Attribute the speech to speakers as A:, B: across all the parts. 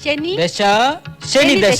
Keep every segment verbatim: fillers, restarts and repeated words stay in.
A: ശനി
B: ദശ ശനി ദശ.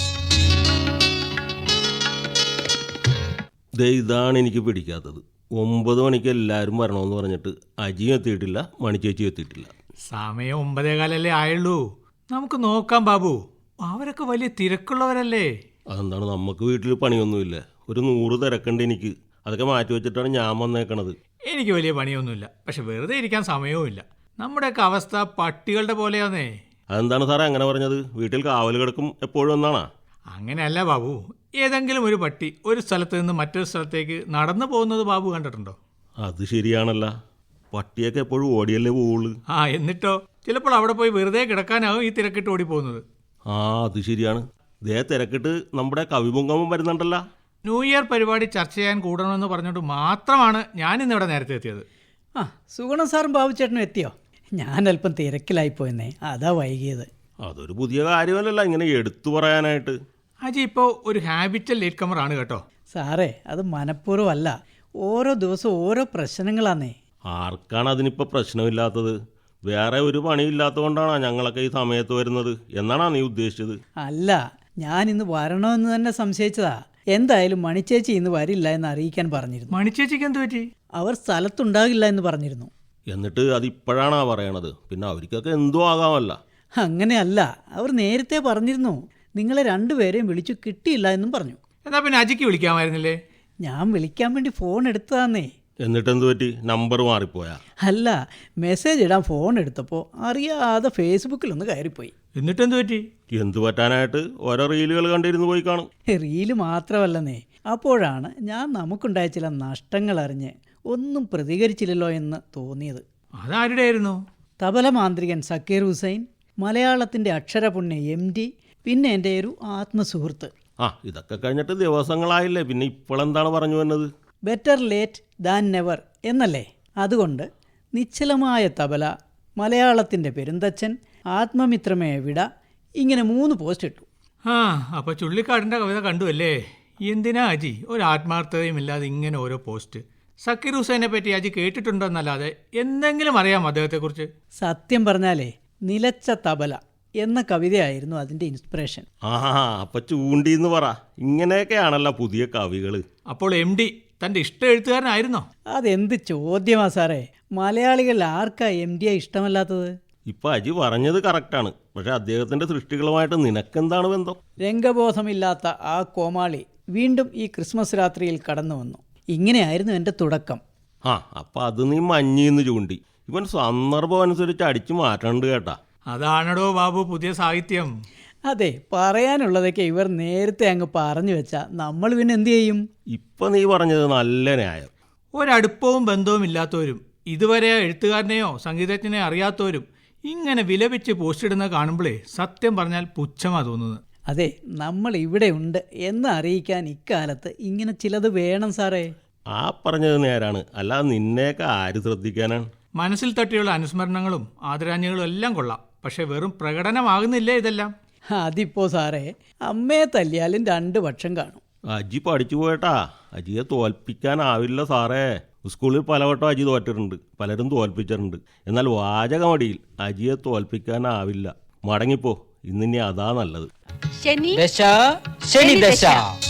C: ഇതാണ് എനിക്ക് പിടിക്കാത്തത്. ഒമ്പത് മണിക്ക് എല്ലാവരും വരണമെന്ന് പറഞ്ഞിട്ട് അജിയും എത്തിയിട്ടില്ല, മണിച്ചേച്ചി എത്തിയിട്ടില്ല.
D: സമയം ഒമ്പതേകാലല്ലേ ആയുള്ളൂ. നമുക്ക് നോക്കാം ബാബു, അവരൊക്കെ വലിയ തിരക്കുള്ളവരല്ലേ.
C: അതെന്താണ്, നമുക്ക് വീട്ടിൽ പണിയൊന്നുമില്ല. ഒരു നൂറ് തിരക്കുണ്ട് എനിക്ക്. അതൊക്കെ മാറ്റി വെച്ചിട്ടാണ് ഞാൻ വന്നേക്കണത്.
D: എനിക്ക് വലിയ പണിയൊന്നുമില്ല, പക്ഷെ വെറുതെ ഇരിക്കാൻ സമയവുമില്ല. നമ്മുടെയൊക്കെ അവസ്ഥ പട്ടികളുടെ പോലെയാന്നേ.
C: അതെന്താണ് സാറേ അങ്ങനെ പറഞ്ഞത്? വീട്ടിൽ കാവൽ കിടക്കും എപ്പോഴും എന്നാണോ?
D: അങ്ങനെയല്ല ബാബു, ഏതെങ്കിലും ഒരു പട്ടി ഒരു സ്ഥലത്ത് നിന്ന് മറ്റൊരു സ്ഥലത്തേക്ക് നടന്നു പോകുന്നത് ബാബു കണ്ടിട്ടുണ്ടോ?
C: അത് ശരിയാണല്ല, പട്ടിയൊക്കെ എപ്പോഴും ഓടിയല്ലേ പോവുള്ളൂ.
D: ആ എന്നിട്ടോ, ചിലപ്പോൾ അവിടെ പോയി വെറുതെ കിടക്കാനാവും ഈ തിരക്കിട്ട് ഓടിപ്പോകുന്നത്.
C: ആ അത് ശരിയാണ്. ദേ തിരക്കിട്ട് നമ്മുടെ കവിപുങ്കമം വരുന്നുണ്ടല്ലോ.
D: ന്യൂ ഇയർ പരിപാടി ചർച്ച ചെയ്യാൻ കൂടണമെന്ന് പറഞ്ഞുകൊണ്ട് മാത്രമാണ് ഞാൻ ഇന്നിവിടെ നേരത്തെ എത്തിയത്.
B: ആ സുഗുണം സാറും ബാബുച്ചേട്ടനും എത്തിയോ? ഞാൻ അല്പം തിരക്കിലായിപ്പോയെന്നേ, അതാ വൈകിയത്.
C: അതൊരു പുതിയ കാര്യമല്ലല്ലോ ഇങ്ങനെ എടുത്തു പറയാനായിട്ട്.
D: അജി ഇപ്പോൾ ഒരു ഹാബിറ്റൽ ലേറ്റ് കമർ ആണ് കേട്ടോ.
B: സാറേ, അത് മനഃപൂർവ്വമല്ല, ഓരോ ദിവസവും ഓരോ പ്രശ്നങ്ങളാന്നേ.
C: ആർക്കാണ് അതിനിപ്പോൾ പ്രശ്നമില്ലാത്തത്? വേറെ ഒരു പണിയില്ലാത്തത് കൊണ്ടാണോ ഞങ്ങളൊക്കെ ഈ സമയത്ത് വരുന്നത് എന്നാണോ നീ ഉദ്ദേശിച്ചത്?
B: അല്ല, ഞാൻ ഇന്ന് വരണമെന്ന് തന്നെ സംശയിച്ചതാ. എന്തായാലും മണിച്ചേച്ചി ഇന്ന് വരില്ല എന്ന് അറിയിക്കാൻ പറഞ്ഞിരുന്നു.
D: മണിച്ചേച്ചിക്ക് എന്ത് പറ്റി?
B: അവർ സ്ഥലത്തുണ്ടാകില്ല എന്ന് പറഞ്ഞിരുന്നു.
C: എന്നിട്ട് അതിപ്പോഴാണോ പറയണത്? പിന്നെ അവർക്കൊക്കെ എന്തോ ആകാമല്ല.
B: അങ്ങനെയല്ല, അവർ നേരത്തെ പറഞ്ഞിരുന്നു. നിങ്ങളെ രണ്ടുപേരെയും വിളിച്ചു കിട്ടിയില്ല എന്നും പറഞ്ഞു.
D: എന്നാ പിന്നെ അജിക്ക് വിളിക്കാമായിരുന്നില്ലേ?
B: ഞാൻ വിളിക്കാൻ വേണ്ടി ഫോൺ എടുത്തതാന്നേ.
C: എന്നിട്ട് എന്ത് പറ്റി? നമ്പർ മാറിപ്പോയാ?
B: അല്ല, മെസ്സേജ് ഇടാൻ ഫോൺ എടുത്തപ്പോൾ അറിയാതെ ഫേസ്ബുക്കിലൊന്ന് കയറിപ്പോയി.
D: എന്നിട്ടെന്ത് പറ്റി?
C: എന്തു പറ്റാനായിട്ട്? ഓരോ റീലുകൾ കണ്ടിരുന്ന് പോയി കാണും.
B: റീല് മാത്രമല്ലെന്നേ, അപ്പോഴാണ് ഞാൻ നമുക്കുണ്ടായ ചില നഷ്ടങ്ങൾ അറിഞ്ഞ് ഒന്നും പ്രതികരിച്ചില്ലല്ലോ എന്ന് തോന്നിയത്.
D: അതാരുടെ ആയിരുന്നു?
B: തബല മാന്ത്രികൻ സക്കീർ ഹുസൈൻ, മലയാളത്തിൻ്റെ അക്ഷരപുണ്യ എം ഡി, പിന്നെ എൻ്റെ ഒരു ആത്മസുഹൃത്ത്.
C: ആ ഇതൊക്കെ കഴിഞ്ഞിട്ട് ദിവസങ്ങളായില്ലേ, പിന്നെ ഇപ്പോഴെന്താണ് പറഞ്ഞു വന്നത്?
B: ബെറ്റർ ലേറ്റ് ദാൻ നെവർ എന്നല്ലേ. അതുകൊണ്ട് നിശ്ചലമായ തബല, മലയാളത്തിൻ്റെ പെരുന്തച്ഛൻ, ആത്മമിത്രമേ വിട, ഇങ്ങനെ മൂന്ന് പോസ്റ്റ് ഇട്ടു.
D: ആ അപ്പോൾ ചുള്ളിക്കാടിൻ്റെ കവിത കണ്ടു അല്ലേ? എന്തിനാ അജി ഒരു ആത്മാർത്ഥതയും ഇല്ലാതെ ഇങ്ങനെ ഓരോ പോസ്റ്റ്? സക്കീർ ഹുസൈനെ പറ്റി അജി കേട്ടിട്ടുണ്ടോന്നല്ലാതെ എന്തെങ്കിലും അറിയാം അദ്ദേഹത്തെക്കുറിച്ച്?
B: സത്യം പറഞ്ഞാലേ, നിലച്ച തബല എന്ന കവിതയായിരുന്നു അതിൻ്റെ ഇൻസ്പിറേഷൻ.
C: ആ അപ്പൊ ചൂണ്ടിന്ന് പറ. ഇങ്ങനെയൊക്കെയാണല്ലോ പുതിയ കവികൾ.
D: അപ്പോൾ എം ഡി തൻ്റെ ഇഷ്ട എഴുത്തുകാരനായിരുന്നോ?
B: അതെന്ത് ചോദ്യമാ സാറേ, മലയാളികൾ ആർക്കാ എം ഡിയെ ഇഷ്ടമല്ലാത്തത്?
C: ഇപ്പൊ അജി പറഞ്ഞത് കറക്റ്റാണ്. പക്ഷെ അദ്ദേഹത്തിന്റെ സൃഷ്ടികളുമായിട്ട് നിനക്കെന്താണ് ബന്ധം?
B: രംഗബോധമില്ലാത്ത ആ കോമാളി വീണ്ടും ഈ ക്രിസ്മസ് രാത്രിയിൽ കടന്നു വന്നു. ഇങ്ങനെയായിരുന്നു എൻ്റെ തുടക്കം.
C: ആ അപ്പം അത് നീ മഞ്ഞിന്ന് ചൂണ്ടി. ഇവൻ സന്ദർഭം അനുസരിച്ച് അടിച്ചു മാറ്റണ്ട് കേട്ടാ.
D: അതാണടോ ബാബു പുതിയ സാഹിത്യം.
B: അതെ, പറയാനുള്ളതൊക്കെ ഇവർ നേരത്തെ അങ്ങ് പറഞ്ഞു വെച്ചാൽ നമ്മൾ പിന്നെ എന്തു ചെയ്യും?
C: ഇപ്പം നീ പറഞ്ഞത് നല്ല ന്യായം.
D: ഒരടുപ്പവും ബന്ധവും ഇല്ലാത്തവരും ഇതുവരെ എഴുത്തുകാരനെയോ സംഗീതജ്ഞനെയോ അറിയാത്തവരും ഇങ്ങനെ വിലപിച്ച് പോസ്റ്റിടുന്ന കാണുമ്പോഴേ സത്യം പറഞ്ഞാൽ പുച്ഛമാ തോന്നുന്നത്.
B: അതെ, നമ്മൾ ഇവിടെ ഉണ്ട് എന്ന് അറിയിക്കാൻ ഇക്കാലത്ത് ഇങ്ങനെ ചിലത് വേണം സാറേ.
C: ആ പറഞ്ഞത് നേരാണ്. അല്ലാതെ നിന്നെയൊക്കെ ആര് ശ്രദ്ധിക്കാനാണ്?
D: മനസ്സിൽ തട്ടിയുള്ള അനുസ്മരണങ്ങളും ആദരാഞ്ജലികളും എല്ലാം കൊള്ളാം, പക്ഷെ വെറും പ്രകടനമാകുന്നില്ലേ ഇതെല്ലാം?
B: അതിപ്പോ സാറേ, അമ്മയെ തല്ലിയാലും രണ്ട് പക്ഷം കാണും.
C: അജി പഠിച്ചു പോയട്ടാ. അജിയെ തോൽപ്പിക്കാനാവില്ല സാറേ. സ്കൂളിൽ പലവട്ടം അജി തോറ്റിട്ടുണ്ട്, പലരും തോൽപ്പിച്ചിട്ടുണ്ട്. എന്നാൽ വാചകമടിയിൽ അജിയെ തോൽപ്പിക്കാനാവില്ല. മടങ്ങിപ്പോ, ഇന്നിനി അതാ നല്ലത്.
A: ശനി
B: ദശ ശനി ദശ.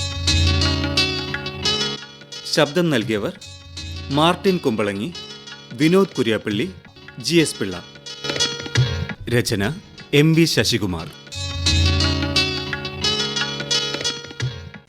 E: ശബ്ദം നൽകിയവർ Martin Kumbalangi, Vinod Kuriappally, G S Pillai. രചന എം വി ശശികുമാർ.